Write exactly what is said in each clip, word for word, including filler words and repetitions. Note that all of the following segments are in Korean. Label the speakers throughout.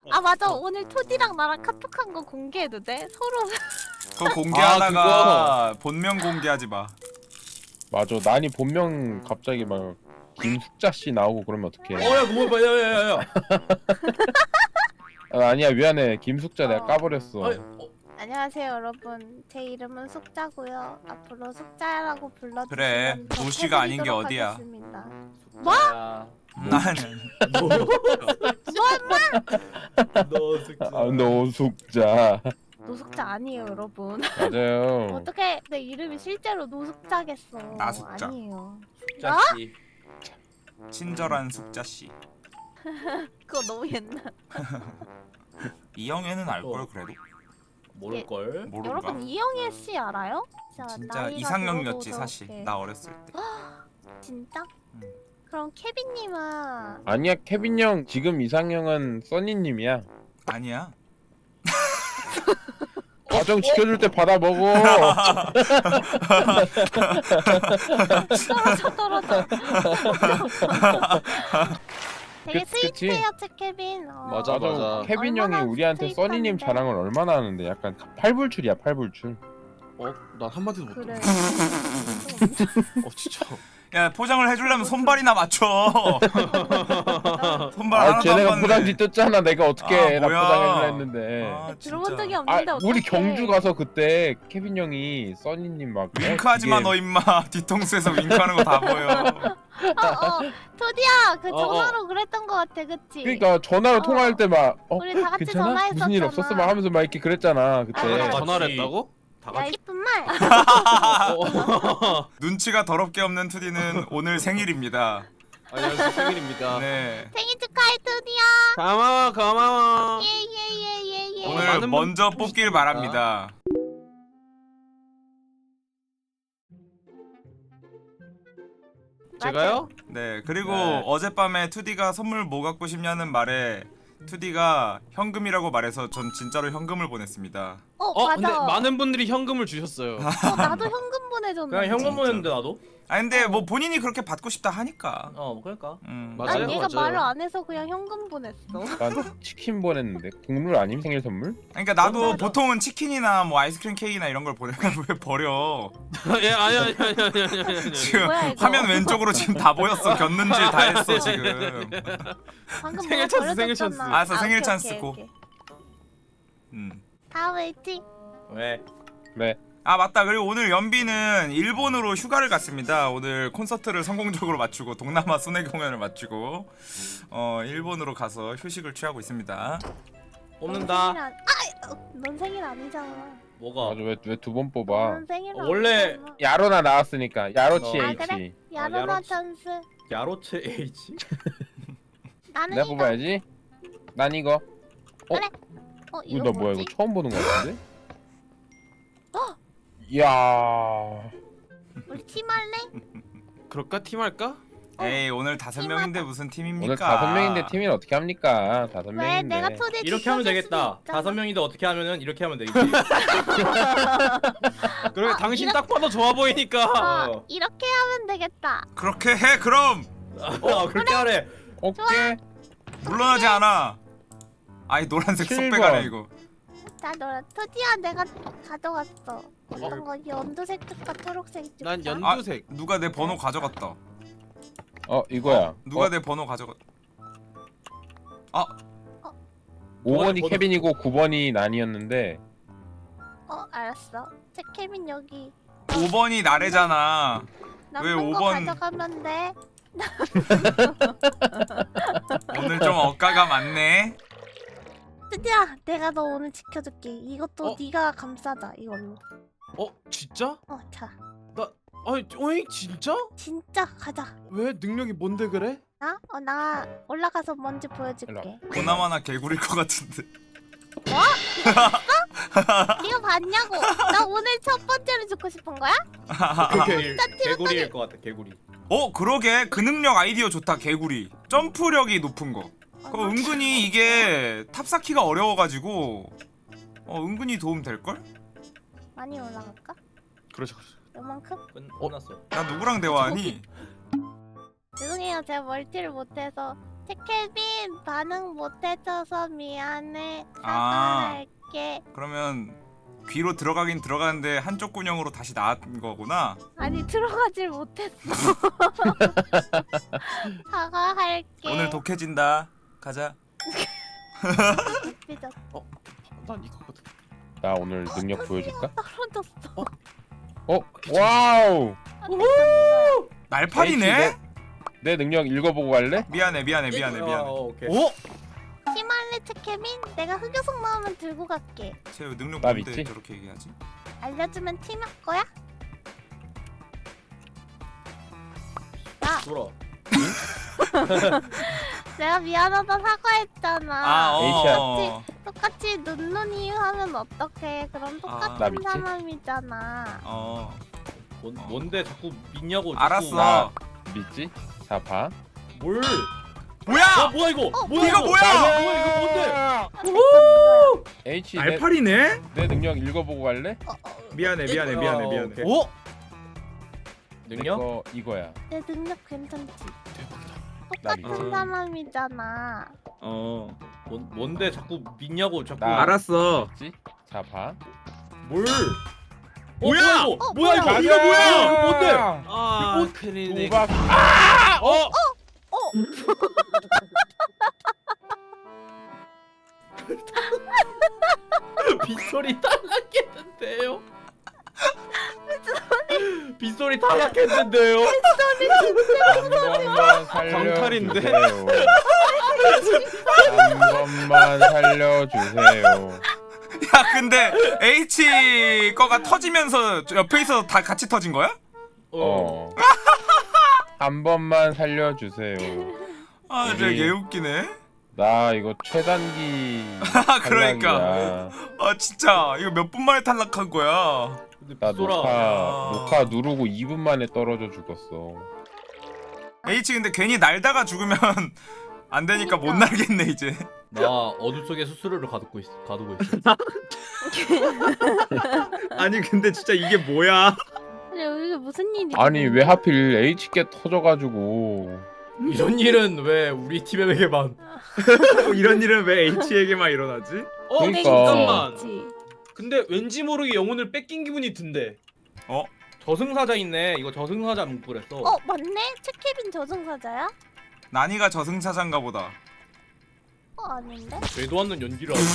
Speaker 1: 아 맞아, 오늘 토디랑 나랑 카톡한 거 공개해도 돼? 서로.
Speaker 2: 그거 공개하다가
Speaker 3: 아,
Speaker 2: 본명 공개하지 마.
Speaker 4: 맞아. 난이 본명 갑자기 막 김숙자 씨 나오고 그러면 어떡해?
Speaker 3: 어야 그거 봐, 야야야야.
Speaker 4: 아, 아니야 미안해. 김숙자 내가
Speaker 1: 어.
Speaker 4: 까버렸어.
Speaker 3: 아니, 어,
Speaker 1: 안녕하세요 여러분, 제 이름은 숙자고요. 앞으로 숙자라고 불러주시면
Speaker 2: 그래,
Speaker 1: 더
Speaker 2: 노씨가 아닌 게
Speaker 1: 해드리도록
Speaker 2: 어디야.
Speaker 1: 하겠습니다.
Speaker 3: 뭐?
Speaker 2: 음, 아니
Speaker 3: 너 너 숙자.
Speaker 4: 아 노숙자.
Speaker 1: 노숙자 아니에요 여러분.
Speaker 4: 맞아요.
Speaker 1: 어떻게 내 이름이 실제로 노숙자겠어.
Speaker 2: 나숙자.
Speaker 1: 아니에요.
Speaker 3: 숙자 씨.
Speaker 2: 친절한 숙자 씨.
Speaker 1: 그거 너무 옛날.
Speaker 2: 이영애는 알걸
Speaker 3: 어.
Speaker 2: 그래도
Speaker 3: 모를 걸.
Speaker 2: 모르가.
Speaker 1: 여러분 이영애 씨 알아요? 진짜,
Speaker 2: 진짜
Speaker 1: 나이가
Speaker 2: 이상형이었지
Speaker 1: 들어도
Speaker 2: 사실.
Speaker 1: 저렇게.
Speaker 2: 나 어렸을 때.
Speaker 1: 진짜?
Speaker 2: 음.
Speaker 1: 그럼 케빈님은
Speaker 4: 아니야 케빈 형 지금 이상형은 써니님이야.
Speaker 2: 아니야.
Speaker 4: 과정 지켜줄 때 받아 먹어.
Speaker 1: 떨어져 떨어져. 되게
Speaker 4: 그- 그치?
Speaker 1: 스윗해요 제 케빈. 어.
Speaker 3: 맞아, 맞아.
Speaker 4: 케빈 형이
Speaker 1: 얼마나
Speaker 4: 우리한테 써니님
Speaker 1: 스윗한데.
Speaker 4: 자랑을 얼마나 하는데 약간 팔불출이야 팔불출.
Speaker 3: 어, 난 한마디도 못
Speaker 1: 그래.
Speaker 3: 들어. 어, 진짜.
Speaker 2: 야 포장을 해주려면 손발이나 맞춰. 손발
Speaker 4: 아
Speaker 2: 하나도 안
Speaker 4: 쟤네가
Speaker 2: 맞네.
Speaker 4: 포장 뒤떴잖아. 내가 어떻게
Speaker 2: 아,
Speaker 4: 나
Speaker 2: 뭐야.
Speaker 4: 포장해주려 했는데.
Speaker 2: 아,
Speaker 1: 들어본
Speaker 2: 진짜.
Speaker 1: 적이
Speaker 4: 아
Speaker 1: 없는데 어떡해.
Speaker 4: 우리 경주 가서 그때 케빈 형이 써니님 막
Speaker 2: 윙크하지 마
Speaker 4: 이게-
Speaker 2: 너 임마. 뒤통수에서 윙크하는 거 다 보여.
Speaker 1: 어, 어, 토디야, 그
Speaker 3: 어, 어.
Speaker 1: 전화로 그랬던 거 같아, 그치?
Speaker 4: 그러니까 전화로
Speaker 1: 어.
Speaker 4: 통화할 때 막 어,
Speaker 1: 우리 다 같이
Speaker 4: 괜찮아?
Speaker 1: 전화했었잖아.
Speaker 4: 무슨 일 없었어? 막 하면서 막 이렇게 그랬잖아 그때.
Speaker 1: 아,
Speaker 3: 전화를 했다고? 다
Speaker 1: 야,
Speaker 3: 같이.
Speaker 1: 이쁜 말.
Speaker 3: 어.
Speaker 2: 눈치가 더럽게 없는 투디는 오늘 생일입니다.
Speaker 3: 안녕하세요, 생일입니다.
Speaker 2: 네.
Speaker 1: 생일 축하해, 토디야.
Speaker 3: 고마워, 고마워.
Speaker 1: 예, 예, 예, 예, 예.
Speaker 2: 오늘
Speaker 3: 많은
Speaker 2: 먼저
Speaker 3: 분들이
Speaker 2: 뽑길
Speaker 3: 있으니까.
Speaker 2: 바랍니다.
Speaker 3: 제가요?
Speaker 2: 네. 그리고
Speaker 3: 네.
Speaker 2: 어젯밤에 투디가 선물 뭐 갖고 싶냐는 말에 투디가 현금이라고 말해서 전 진짜로 현금을 보냈습니다.
Speaker 1: 어,
Speaker 3: 어,
Speaker 1: 맞아.
Speaker 3: 근데 많은 분들이 현금을 주셨어요.
Speaker 1: 어, 나도 현금 보내줬는데.
Speaker 3: 그냥 현금
Speaker 2: 진짜.
Speaker 3: 보냈는데 나도?
Speaker 2: 아 근데 뭐 본인이 그렇게 받고 싶다 하니까.
Speaker 3: 어, 그러니까.
Speaker 2: 음.
Speaker 3: 맞아요,
Speaker 1: 난 얘가
Speaker 3: 맞아요.
Speaker 1: 말을 안 해서 그냥 현금 보냈어.
Speaker 4: 난 치킨 보냈는데 국룰 아님 생일 선물?
Speaker 2: 그러니까 나도
Speaker 1: 맞아.
Speaker 2: 보통은 치킨이나 뭐 아이스크림 케이크나 이런 걸 보내면 왜 버려?
Speaker 3: 예, 아니 아니 아니 아니 아니 아니. 아니.
Speaker 2: 지금
Speaker 1: 뭐야, 이거?
Speaker 2: 화면 왼쪽으로 지금 다 보였어. 견눈질 다 했어 지금.
Speaker 1: 방금
Speaker 3: 생일
Speaker 1: 뭐가
Speaker 3: 찬스, 생일
Speaker 1: 버려졌잖아.
Speaker 3: 찬스.
Speaker 2: 알았어,
Speaker 1: 아,
Speaker 2: 생일
Speaker 1: 오케이,
Speaker 2: 찬스
Speaker 1: 오케이,
Speaker 2: 고.
Speaker 1: 오케이.
Speaker 2: 음.
Speaker 1: 다음 웨이팅.
Speaker 3: 왜?
Speaker 4: 네.
Speaker 2: 아 맞다. 그리고 오늘 연비는 일본으로 휴가를 갔습니다. 오늘 콘서트를 성공적으로 마치고 동남아 순회 공연을 마치고 어 일본으로 가서 휴식을 취하고 있습니다.
Speaker 3: 뽑는다.
Speaker 1: 넌 생일 안... 아, 어, 넌 생일 아니잖아.
Speaker 3: 뭐가?
Speaker 4: 맞아 왜 왜 두 번 뽑아?
Speaker 1: 넌 생일
Speaker 3: 어, 원래
Speaker 1: 아니잖아.
Speaker 4: 야로나 나왔으니까 야로치
Speaker 3: 어.
Speaker 1: 아,
Speaker 4: H.
Speaker 1: 그래? 야로나
Speaker 3: 야로치.
Speaker 1: 찬스.
Speaker 3: 야로체 H?
Speaker 1: 나는
Speaker 4: 내가
Speaker 1: 이거.
Speaker 4: 뽑아야지. 난 이거. 어?
Speaker 1: 그래. 어,
Speaker 4: 이거
Speaker 1: 이거
Speaker 4: 나 뭐야
Speaker 1: 뭐지?
Speaker 4: 이거 처음 보는 거 같은데?
Speaker 1: 어?
Speaker 4: 이야.
Speaker 1: 우리 팀 할래?
Speaker 3: 그럴까? 팀 할까?
Speaker 2: 에이 오늘 다섯
Speaker 1: 팀하다.
Speaker 2: 명인데 무슨 팀입니까?
Speaker 4: 오늘 다섯 명인데 팀을 어떻게 합니까? 다섯
Speaker 1: 왜?
Speaker 4: 명인데.
Speaker 1: 내가 토대
Speaker 3: 이렇게 하면
Speaker 1: 지켜줄 수도
Speaker 3: 되겠다.
Speaker 1: 있잖아.
Speaker 3: 다섯 명인데 어떻게 하면은 이렇게 하면 되겠지. 그래
Speaker 1: 아,
Speaker 3: 당신
Speaker 1: 이렇게-
Speaker 3: 딱 봐도 좋아 보이니까.
Speaker 1: 어,
Speaker 3: 어,
Speaker 1: 이렇게 하면 되겠다.
Speaker 2: 그렇게 해 그럼.
Speaker 3: 어 그렇게 하래.
Speaker 4: 오케이.
Speaker 2: 물러나지 않아. 아이 노란색
Speaker 4: 칠
Speaker 2: 쏙
Speaker 4: 번.
Speaker 2: 빼가네 이거.
Speaker 1: 자, 너라 토디야, 내가 가져갔어. 어떤 거? 연두색 줄까, 초록색 줄까?
Speaker 3: 난 연-
Speaker 2: 아
Speaker 3: 연두색.
Speaker 2: 누가 내 번호 가져갔다.
Speaker 4: 어 이거야.
Speaker 2: 누가
Speaker 4: 어,
Speaker 2: 내 번호 가져갔?
Speaker 4: 오 번이
Speaker 3: 번호-
Speaker 4: 케빈이고 구 번이 난이었는데
Speaker 1: 어, 알았어. 제 케빈 여기.
Speaker 2: 오 번이 나래잖아. 왜
Speaker 1: 남는 거
Speaker 2: 오 번?
Speaker 1: 가져가면 돼.
Speaker 2: 오늘 좀 억가가 많네.
Speaker 1: 토디야, 내가 너 오늘 지켜줄게. 이것도
Speaker 3: 어?
Speaker 1: 네가 감싸자, 이걸로.
Speaker 3: 어 진짜?
Speaker 1: 어, 자.
Speaker 3: 아니 어이 진짜?
Speaker 1: 진짜 가자.
Speaker 3: 왜 능력이 뭔데 그래?
Speaker 1: 나? 어, 나 올라가서 뭔지 보여줄게.
Speaker 2: 보나마나 개구리일 것 같은데.
Speaker 1: 네가 봤냐고? 나 오늘 첫 번째로 죽고 싶은 거야?
Speaker 3: 오케이
Speaker 1: 진짜
Speaker 3: 개구리일 것 같아 개구리.
Speaker 2: 어 그러게 그 능력 아이디어 좋다. 개구리 점프력이 높은 거.
Speaker 1: 어,
Speaker 2: 그거 은근히 이게 탑쌓기가 어려워가지고 어 은근히 도움 될 걸?
Speaker 1: 많이 올라갈까?
Speaker 3: 그렇죠 그렇죠.
Speaker 1: 요만큼?
Speaker 3: 끝, 끝났어.
Speaker 2: 나 누구랑 대화하니?
Speaker 1: 죄송해요, 제가 멀티를 못해서 태켈빈 반응 못해줘서 미안해.
Speaker 2: 아.
Speaker 1: 사과할게.
Speaker 2: 그러면 귀로 들어가긴 들어가는데 한쪽 군형으로 다시 나온 거구나.
Speaker 1: 아니 들어가질 못했어. 사과할게.
Speaker 2: 오늘 독해진다. 가자.
Speaker 1: 삐졌어.
Speaker 3: 난 이거거든.
Speaker 4: 나 오늘 능력 보여줄까?
Speaker 1: 떨어졌어.
Speaker 4: 어? 와우!
Speaker 2: 날파리네?
Speaker 4: H, 내 능력 읽어보고 갈래?
Speaker 2: 미안해 미안해 미안해
Speaker 3: 어,
Speaker 2: 미안해.
Speaker 3: 오케이.
Speaker 2: 오?
Speaker 1: 히말레 태켈빈 내가 흑요석 나오면 들고 갈게.
Speaker 2: 쟤 능력
Speaker 4: 나
Speaker 2: 뭔데
Speaker 4: 믿지?
Speaker 2: 저렇게 얘기하지?
Speaker 1: 알려주면 팀할 거야? 나
Speaker 3: 돌아.
Speaker 1: 내가 미안하다 사과했잖아.
Speaker 2: 아 어.
Speaker 1: 똑같이 눈눈이 하면 어떡해? 그럼
Speaker 2: 아,
Speaker 4: 나
Speaker 1: 똑같은
Speaker 4: 믿지?
Speaker 1: 사람이잖아.
Speaker 2: 어.
Speaker 3: 뭔 뭔데 자꾸 믿냐고. 자꾸.
Speaker 2: 알았어.
Speaker 4: 나- 믿지? 자, 봐.
Speaker 3: 뭘?
Speaker 2: 뭐야?
Speaker 3: 어 뭐야 이거?
Speaker 1: 어,
Speaker 3: 뭐야
Speaker 2: 이거 뭐야?
Speaker 3: 뭐야 이거 뭔데?
Speaker 4: H, 내,
Speaker 2: 날파리네?
Speaker 4: 내 능력 읽어보고 갈래?
Speaker 1: 어, 어,
Speaker 2: 미안해 미안해
Speaker 3: 어,
Speaker 2: 미안해
Speaker 3: 오케이.
Speaker 2: 미안해.
Speaker 3: 오?
Speaker 4: 내
Speaker 3: 능력?
Speaker 4: 거 이거야.
Speaker 1: 내 능력 괜찮지?
Speaker 4: 나
Speaker 1: 똑같은
Speaker 2: 믿지?
Speaker 1: 사람이잖아.
Speaker 3: 어. 뭔 뭔데 자꾸 믿냐고 자꾸.
Speaker 4: 나-
Speaker 2: 알았어.
Speaker 4: 믿지? 자, 봐.
Speaker 3: 뭘?
Speaker 2: 뭐야?
Speaker 3: 어, 이거?
Speaker 1: 어,
Speaker 3: 뭐야 이거?
Speaker 1: 뭐야?
Speaker 3: 이거 뭐야? 이거 뭔데?
Speaker 5: 아,
Speaker 3: 이거
Speaker 5: 큰일이네.
Speaker 4: 도박.
Speaker 3: 어?
Speaker 1: 어,
Speaker 3: 빗소리 탈락했는데요. 빗소리 탈락했는데요.
Speaker 4: 한 번만
Speaker 5: 광탈인데?
Speaker 4: 살려주세요. 한 번만 살려주세요.
Speaker 2: 야 근데 H 거가 터지면서 저 옆에 있어서 다 같이 터진 거야?
Speaker 4: 어. 한 번만 살려주세요.
Speaker 2: 아 진짜
Speaker 4: 우리-
Speaker 2: 개웃기네.
Speaker 4: 나 이거 최단기
Speaker 2: 그러니까.
Speaker 4: 탈락이야.
Speaker 2: 아 진짜 이거 몇 분 만에 탈락한 거야?
Speaker 3: 근데
Speaker 4: 나
Speaker 3: 빗소라.
Speaker 4: 녹화
Speaker 2: 아.
Speaker 4: 녹화 누르고 이 분 만에 떨어져 죽었어.
Speaker 2: H 근데 괜히 날다가 죽으면 안 되니까 못
Speaker 1: 그러니까.
Speaker 2: 날겠네 이제.
Speaker 3: 나 어둠 속에 수수료를 가두고 있어. 가두고 있어.
Speaker 5: 아니 근데 진짜 이게 뭐야?
Speaker 1: 근데 이게 무슨 일이야?
Speaker 4: 아니 왜 하필 H께 터져가지고.
Speaker 3: 이런 일은 왜 우리 팀에게만?
Speaker 5: 이런 일은 왜 H에게만 일어나지?
Speaker 3: 어
Speaker 4: 그러니까.
Speaker 3: 잠깐만.
Speaker 1: 그치?
Speaker 5: 근데 왠지 모르게 영혼을 뺏긴 기분이 든대.
Speaker 2: 어?
Speaker 3: 저승사자 있네. 이거 저승사자 문구랬어.
Speaker 1: 어 맞네? 채케빈 저승사자야?
Speaker 2: 난이가 저승사자인가 보다.
Speaker 1: 어 아닌데?
Speaker 3: 되도 않는 연기를 하고.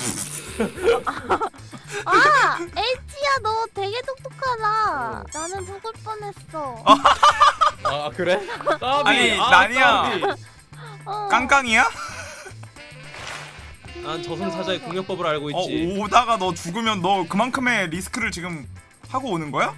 Speaker 1: 아! H야 너 되게 똑똑하다. 나는 죽을 뻔했어.
Speaker 3: 아 그래? 까비.
Speaker 2: 아니,
Speaker 3: 아,
Speaker 2: 난이야.
Speaker 3: 까비.
Speaker 1: 어.
Speaker 2: 깡깡이야?
Speaker 5: 난 저승사자의 공격법을 알고
Speaker 2: 어
Speaker 5: 있지.
Speaker 2: 오다가 너 죽으면 너 그만큼의 리스크를 지금 하고 오는 거야?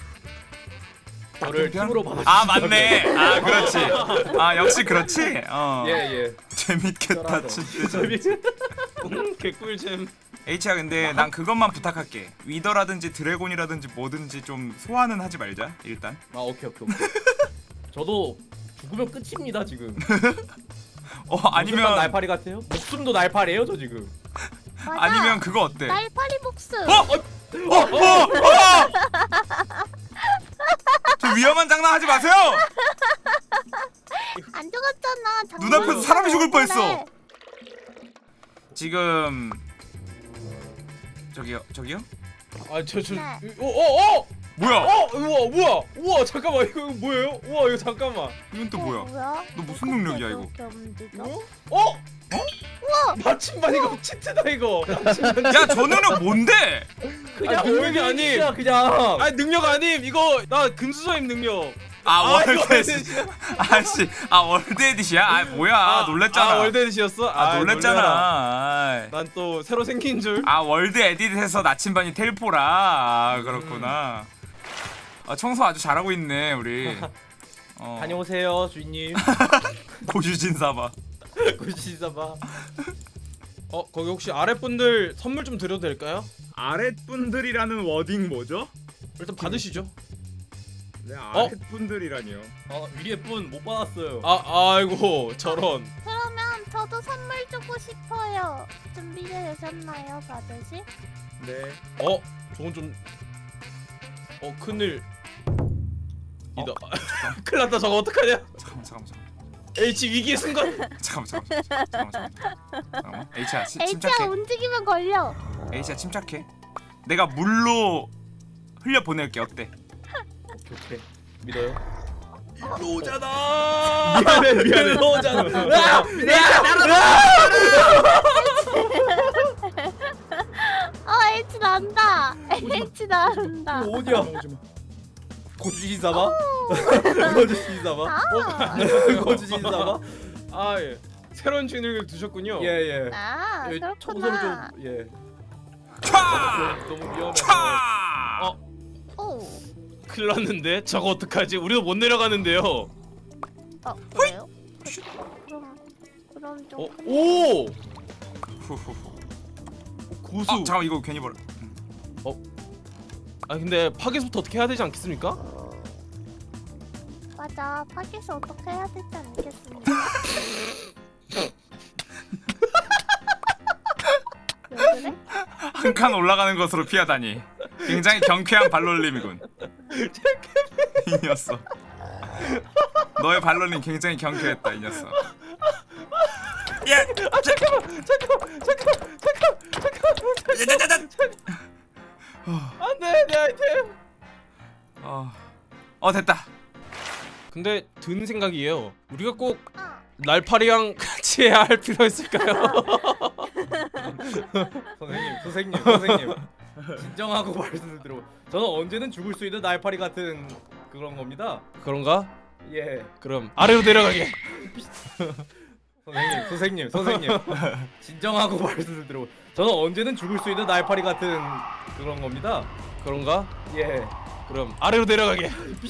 Speaker 3: 저를 팀으로 받아.
Speaker 2: 아 맞네. 아 그렇지. 아 역시 그렇지. 어.
Speaker 3: 예예.
Speaker 2: 재밌겠다 진짜.
Speaker 5: 음, 개꿀잼.
Speaker 2: H야 근데 난 그것만 부탁할게. 위더라든지 드래곤이라든지 뭐든지 좀 소환은 하지 말자 일단.
Speaker 3: 아 오케이 오케이 오케이. 저도 죽으면 끝입니다 지금.
Speaker 2: 어
Speaker 3: 목숨만
Speaker 2: 아니면
Speaker 3: 날파리 같아요? 목숨도 날파리예요 저 지금.
Speaker 1: 맞아.
Speaker 2: 아니면 그거 어때?
Speaker 1: 날파리 복수.
Speaker 2: 어? 어? 어? 어? 저 위험한 장난 하지 마세요.
Speaker 1: 안 죽었잖아.
Speaker 2: 눈앞에서 사람이 죽을 뻔했어.
Speaker 1: 장난이잖아.
Speaker 2: 지금 저기요 저기요?
Speaker 5: 아저저
Speaker 1: 네.
Speaker 5: 어, 어, 어!
Speaker 2: 뭐야?
Speaker 5: 어! 우와 우와 우와 잠깐만 이거 뭐예요? 우와 이거 잠깐만.
Speaker 2: 이건 또
Speaker 1: 어,
Speaker 2: 뭐야?
Speaker 1: 뭐야?
Speaker 2: 너 무슨 능력이야 이거?
Speaker 1: 어떻게 움직여?
Speaker 5: 어? 어? 우와! 나침반 이거 치트다 이거. 나침반.
Speaker 2: 야 저 능력 뭔데?
Speaker 3: 그냥
Speaker 5: 아, 능력이
Speaker 3: 올드이지야,
Speaker 5: 아님.
Speaker 3: 그냥.
Speaker 5: 아 능력 아님 이거 나 금수저임 능력.
Speaker 2: 아 월드
Speaker 5: 이거
Speaker 2: 에디션. 아씨 아 월드 에디시야? 아 뭐야 놀랬잖아.
Speaker 5: 아 월드 에디시였어?
Speaker 2: 아 놀랬잖아.
Speaker 5: 난 또 새로 생긴 줄.
Speaker 2: 아 월드 에디트에서 나침반이 텔포라. 아 그렇구나. 아 청소 아주 잘하고 있네 우리. 어.
Speaker 3: 다녀오세요 주인님.
Speaker 2: 고유진 사바.
Speaker 3: 구시사바.
Speaker 5: 어 거기 혹시 아랫분들 선물 좀 드려도 될까요?
Speaker 6: 아랫분들이라는 워딩 뭐죠?
Speaker 5: 일단 받으시죠.
Speaker 6: 네,
Speaker 5: 어?
Speaker 6: 아랫분들이라니요.
Speaker 3: 어 위에 분 못 받았어요.
Speaker 5: 아 아이고 저런.
Speaker 1: 그러면 저도 선물 주고 싶어요. 준비되셨나요, 받으실?
Speaker 6: 네.
Speaker 5: 어 저건 좀. 어 큰일. 이다. 큰일 났다 저거 어떡하냐?
Speaker 2: 잠깐만 잠깐만 잠깐만.
Speaker 5: H 위기의 순간.
Speaker 2: 잠깐만 잠깐만 잠깐만 잠깐만. 잠깐만. H야 치,
Speaker 1: H야
Speaker 2: 침착해.
Speaker 1: 움직이면 걸려.
Speaker 2: H야 침착해. 내가 물로 흘려 보낼게. 어때?
Speaker 5: 오케이 오케이. 믿어요.
Speaker 2: 로잖아.
Speaker 5: 미안해 미안해. 너잖아. 아!
Speaker 1: 어 H 난다. H 난다.
Speaker 5: 이거 어디야? 고주신 사바? 고주신 사바?
Speaker 1: 아,
Speaker 5: 고주신 사바? 아 예. 새로운 주인을 두셨군요. 예예.
Speaker 1: 아
Speaker 5: 예,
Speaker 1: 그렇구나.
Speaker 5: 청소를 좀 예.
Speaker 2: 촤!
Speaker 5: 너무 위험해.
Speaker 2: 촤!
Speaker 5: 어
Speaker 1: 오.
Speaker 5: 큰일 났는데 저거 어떡하지? 우리도 못 내려가는데요.
Speaker 1: 어 그래요? 그, 그럼 그럼 좀.
Speaker 5: 어?
Speaker 1: 큰-
Speaker 5: 오!
Speaker 2: 후후후.
Speaker 5: 고수.
Speaker 2: 아 잠깐 이거 괜히 버려.
Speaker 5: 아 근데 파괴부터 어떻게 해야 되지 않겠습니까?
Speaker 1: 맞아. 파괴서 어떻게 해야 되지 않겠습니까? 왜 그래?
Speaker 2: 한 칸 올라가는 것으로 피하다니. 굉장히 경쾌한 발놀림이군. 이 녀석. 너의 발놀림 굉장히 경쾌했다 이 녀석. 예.
Speaker 5: 아 잠깐만 잠깐만 잠깐만 잠깐만 잠깐만
Speaker 2: 짜자자자.
Speaker 5: 안돼 내 아이템.
Speaker 2: 어. 어 됐다.
Speaker 5: 근데 든 생각이에요. 우리가 꼭
Speaker 1: 어.
Speaker 5: 날파리랑 같이 해야 할 필요 있을까요?
Speaker 3: 선생님, 선생님, 선생님. 진정하고 말씀을 들어. 저는 언제는 죽을 수 있는 날파리 같은 그런 겁니다.
Speaker 5: 그런가?
Speaker 3: 예.
Speaker 5: 그럼 아래로 내려가게.
Speaker 3: 선생님, 선생님, 선생님. 진정하고 말씀을 들어. 저는 언제는 죽을 수 있는 날파리 같은 그런 겁니다.
Speaker 5: 그런가?
Speaker 3: 예.
Speaker 5: 그럼 아래로 내려가게.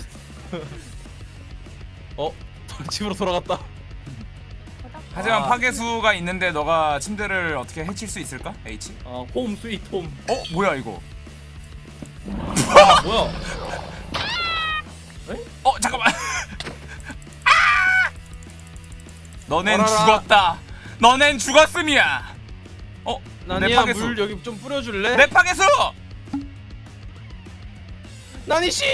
Speaker 5: 어? 집으로 돌아갔다.
Speaker 2: 하지만
Speaker 3: 아.
Speaker 2: 파괴수가 있는데 너가 침대를 어떻게 해칠 수 있을까? H?
Speaker 3: 아, 홈 스윗 홈.
Speaker 2: 어 뭐야 이거?
Speaker 3: 아, 뭐야?
Speaker 2: 어 잠깐만. 아! 너넨
Speaker 5: 어라라.
Speaker 2: 죽었다. 너넨 죽었음이야. 어? 내
Speaker 5: 나니야
Speaker 2: 파괴수.
Speaker 5: 물 여기 좀 뿌려줄래?
Speaker 2: 내 파괴수.
Speaker 5: 나니 씨.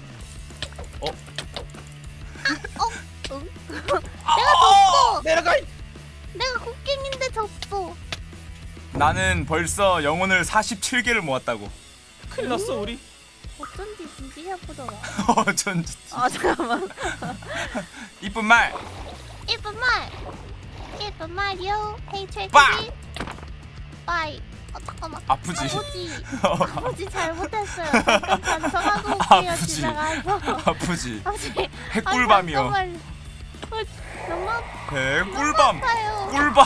Speaker 2: 어!
Speaker 5: 내려가.
Speaker 1: 내가 곡괭인데 졌어.
Speaker 2: 나는 벌써 영혼을 사십칠 개를 모았다고.
Speaker 5: 큰일 났어 우리.
Speaker 1: 어쩐지 진지 해보더라.
Speaker 2: 어쩐
Speaker 1: 아 잠깐만.
Speaker 2: 이쁜 말.
Speaker 1: 이쁜 말. 이쁜 말이요. 헤이
Speaker 2: 빠!
Speaker 1: 최고지. 빠이. 어 잠깐만.
Speaker 2: 아프지?
Speaker 1: 아버지. 아버지 잘못했어요. 잠깐 반성하고 올게요.
Speaker 2: 아프지?
Speaker 1: 지나가서.
Speaker 2: 아프지.
Speaker 1: 아버지.
Speaker 2: 핵꿀밤이요.
Speaker 1: 잠깐만. 어, 너무
Speaker 2: 핵꿀밤.
Speaker 1: 아파요.
Speaker 2: 꿀밤.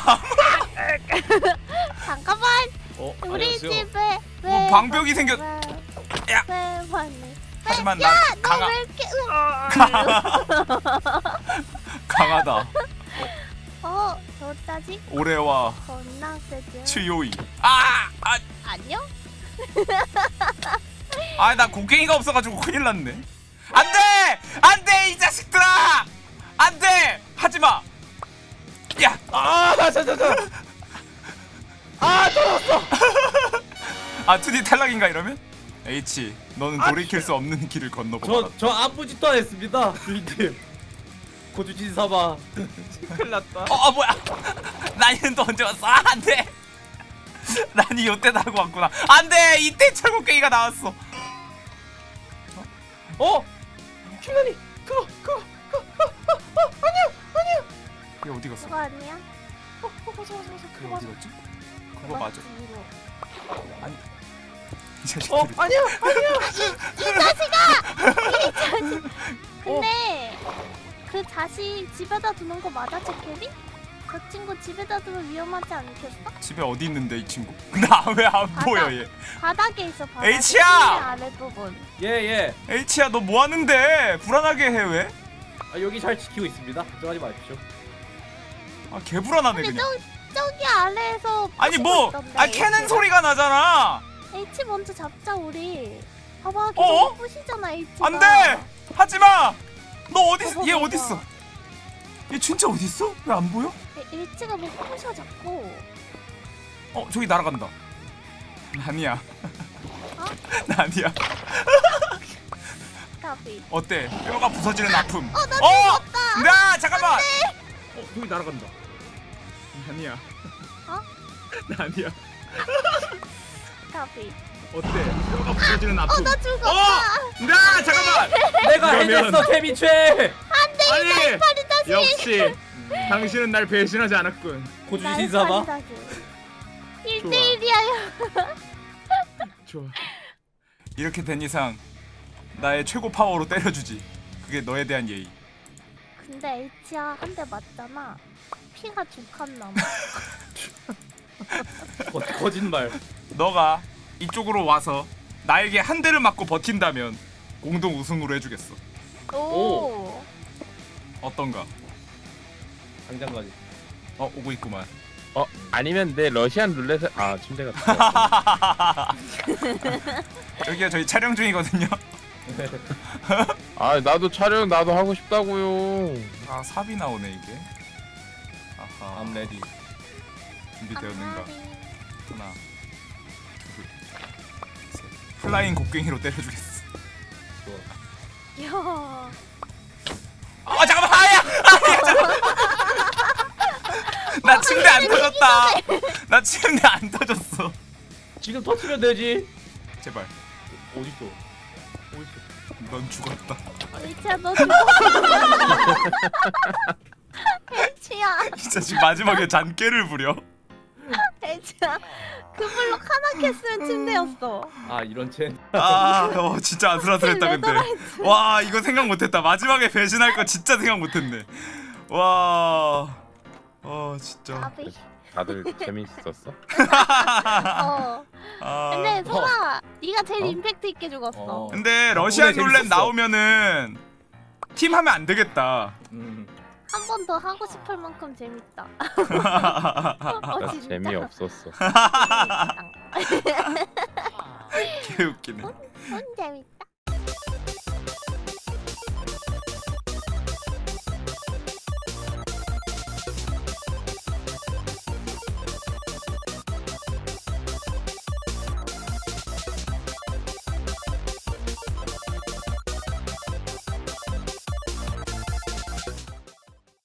Speaker 1: 잠깐만.
Speaker 5: 어?
Speaker 1: 우리
Speaker 5: 안녕하세요.
Speaker 1: 집에 왜
Speaker 2: 뭐 방벽이 생겼.
Speaker 1: 왜,
Speaker 2: 야.
Speaker 1: 왜 왔네?
Speaker 2: 하지만 난 강하
Speaker 1: 너왜 이렇게 으...
Speaker 2: 강하다.
Speaker 1: 어, 저따지
Speaker 2: 올해와
Speaker 1: 겁나 세죠.
Speaker 2: 치요이. 아, 아,
Speaker 1: 안녕?
Speaker 2: 아, 나 곡괭이가 없어가지고 큰일 났네. 안돼, 안돼 이 자식들아, 안돼, 하지 마. 야,
Speaker 5: 아, 자자자. 아, 떨어졌어.
Speaker 2: 아 투디 탈락인가 이러면? H, 너는 돌이킬 수 없는 길을 건너보라.
Speaker 3: 저, 저 아무 짓도 안 했습니다. 주인님. 고주진 사바.
Speaker 5: 큰일 났다.
Speaker 2: 어, 어 뭐야? 나니는 또 언제 왔어? 아, 안돼. 나니 요때 나고 왔구나. 안돼, 이때 철곡괭이가 나왔어.
Speaker 5: 어? 킬라니. 그거 그거 그거 그거 어, 어, 아니야 아니야.
Speaker 2: 그게 어디 갔어?
Speaker 1: 그거 아니야?
Speaker 5: 어, 어, 맞아 맞아 맞아.
Speaker 2: 그게
Speaker 5: 그거
Speaker 2: 어디
Speaker 5: 맞아.
Speaker 2: 갔지? 그거 맞아.
Speaker 1: 집으로.
Speaker 2: 이 자식들이.
Speaker 5: 어, 아니야 아니야.
Speaker 1: 근데 그 자식 집에다 두는 거 맞아, 제캐리? 그 친구 집에다 두면 위험하지 않겠어?
Speaker 2: 집에 어디 있는데 이 친구? 나 왜 안 보여 얘?
Speaker 1: 바닥에 있어, 바닥에.
Speaker 2: H야!
Speaker 1: 아랫부분.
Speaker 3: 예, 예.
Speaker 2: H야 너 뭐 하는데? 불안하게 해 왜?
Speaker 3: 아, 여기 잘 지키고 있습니다. 걱정하지 마십시오.
Speaker 2: 아 개불안하네
Speaker 1: 근데
Speaker 2: 그냥.
Speaker 1: 저, 저기 아래에서
Speaker 2: 아니
Speaker 1: 부수고
Speaker 2: 뭐?
Speaker 1: 있던데,
Speaker 2: 아 캐는
Speaker 1: H가.
Speaker 2: 소리가 나잖아.
Speaker 1: H 먼저 잡자 우리. 봐봐, 계속
Speaker 2: 어?
Speaker 1: 부시잖아 H가.
Speaker 2: 안돼! 하지 마! 너 어디 있어?
Speaker 1: 봐봐,
Speaker 2: 얘
Speaker 1: 봐봐.
Speaker 2: 어디 있어? 얘 진짜 어디 있어? 왜 안 보여?
Speaker 1: H가 뭐 부셔 자꾸.
Speaker 2: 어 저기 날아간다. 아니야.
Speaker 1: 어?
Speaker 2: 아니야.
Speaker 1: 까비.
Speaker 2: 어때? 뼈가 부서지는 아픔.
Speaker 1: 어, 나
Speaker 2: 어!
Speaker 1: 죽었다.
Speaker 2: 나 잠깐만.
Speaker 6: 어 저기 날아간다. 아니야.
Speaker 1: 어?
Speaker 6: 나 아니야.
Speaker 1: 가비.
Speaker 6: 어때? 뼈가 부러지는 아픔.
Speaker 1: 나 죽었다.
Speaker 6: 어! 나 잠깐만.
Speaker 3: 내가
Speaker 6: 그러면-
Speaker 3: 해냈어 케미최.
Speaker 6: 아니 역시 당신은 날 배신하지 않았군.
Speaker 3: 고주 신사봐.
Speaker 1: 일 대일이야.
Speaker 6: 좋아.
Speaker 2: 이렇게 된 이상 나의 최고 파워로 때려주지. 그게 너에 대한 예의.
Speaker 1: 근데 H야 한 대 맞잖아. 피가 두 칸 남아.
Speaker 3: 거, 거짓말.
Speaker 2: 너가 이쪽으로 와서 나에게 한 대를 맞고 버틴다면 공동 우승으로 해주겠어.
Speaker 1: 오.
Speaker 2: 어떤가?
Speaker 3: 당장까지.
Speaker 2: 어 오고 있구만.
Speaker 4: 어 아니면 내 러시안 룰렛을 아 침대가 들어갔네.
Speaker 2: 여기가 저희 촬영 중이거든요.
Speaker 4: 아 나도 촬영 나도 하고 싶다고요.
Speaker 2: 아 삽이 나오네 이게. 아하.
Speaker 3: I'm ready.
Speaker 2: 준비되었는가? 하나, 둘, 셋. 플라잉 곡괭이로 때려주겠어.
Speaker 3: 좋아.
Speaker 1: 야.
Speaker 2: 아 잠깐만 아야! 아야 잠깐만. 나 침대 안 터졌다. 나 침대 안 터졌어.
Speaker 3: 지금 터치면 되지.
Speaker 2: 제발.
Speaker 3: 어딨어?
Speaker 2: 넌 죽었다.
Speaker 1: H야 너 죽었어. H야.
Speaker 2: 진짜 지금 마지막에 잔깨를 부려.
Speaker 1: H야. 그 블록 하나 캤으면 침대였어.
Speaker 3: 아 이런 첸.
Speaker 2: 아, 어, 진짜 아슬아슬했다 근데.
Speaker 1: 레더라이트.
Speaker 2: 와, 이거 생각 못했다. 마지막에 배신할 거 진짜 생각 못했네. 와, 어, 진짜.
Speaker 1: 가비.
Speaker 4: 다들 재밌었어?
Speaker 1: 어.
Speaker 2: 아,
Speaker 1: 근데 소라, 네가 제일
Speaker 4: 어?
Speaker 1: 임팩트 있게 죽었어.
Speaker 3: 어.
Speaker 2: 근데 러시안
Speaker 3: 덕분에
Speaker 2: 룰렛
Speaker 3: 재밌었어.
Speaker 2: 나오면은 팀 하면 안 되겠다.
Speaker 3: 음.
Speaker 1: 한 번 더 하고 싶을 만큼 재밌다.
Speaker 2: 아,
Speaker 1: 어, 진짜?
Speaker 4: 재미없었어.
Speaker 2: 개 웃기네.
Speaker 1: 응, 재밌다.